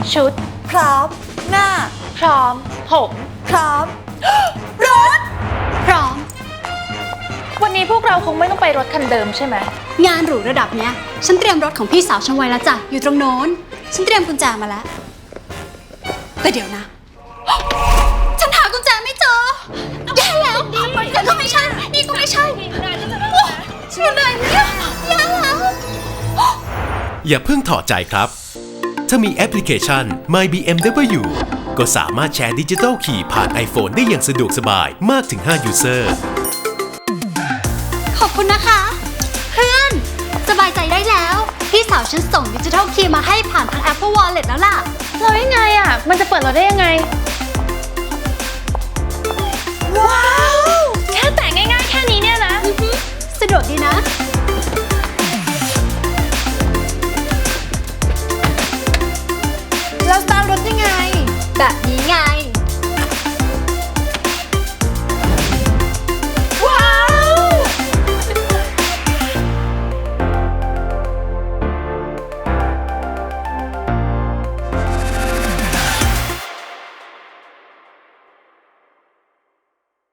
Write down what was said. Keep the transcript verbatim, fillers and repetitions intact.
ชุดพร้อมหน้าพร้อมผมพร้อม รถพร้อมวันนี้พวกเราคงไม่ต้องไปรถคันเดิมใช่ไหมงานหรูระดับเนี้ยฉันเตรียมรถของพี่สาวฉันไว้แล้วจ้ะอยู่ตรงโน้นฉันเตรียมกุญแจมาแล้วแต่เดี๋ยวนะฉันหากุญแจไม่เจอแย่แล้วนั่นก็ไม่ใช่นี่ก็ไม่ใช่ช่วยหน่อยเนี่ยแย่แล้วอย่าเพิ่งถอดใจครับถ้ามีแอปพลิเคชัน My บี เอ็ม ดับเบิลยู ก็สามารถแชร์ดิจิทัลคีย์ผ่าน iPhone ได้อย่างสะดวกสบายมากถึงห้า ยูเซอร์ขอบคุณนะคะเพื่อนสบายใจได้แล้วพี่สาวฉันส่งดิจิทัลคีย์มาให้ผ่านทาง Apple Wallet แล้วล่ะเรายังไงอ่ะมันจะเปิดเราได้ยังไงว้าวแค่แตะง่ายๆแค่นี้เนี่ยนะสะดวกดีนะแล้วสตาร์ทรถยังไงแบบนี้ไง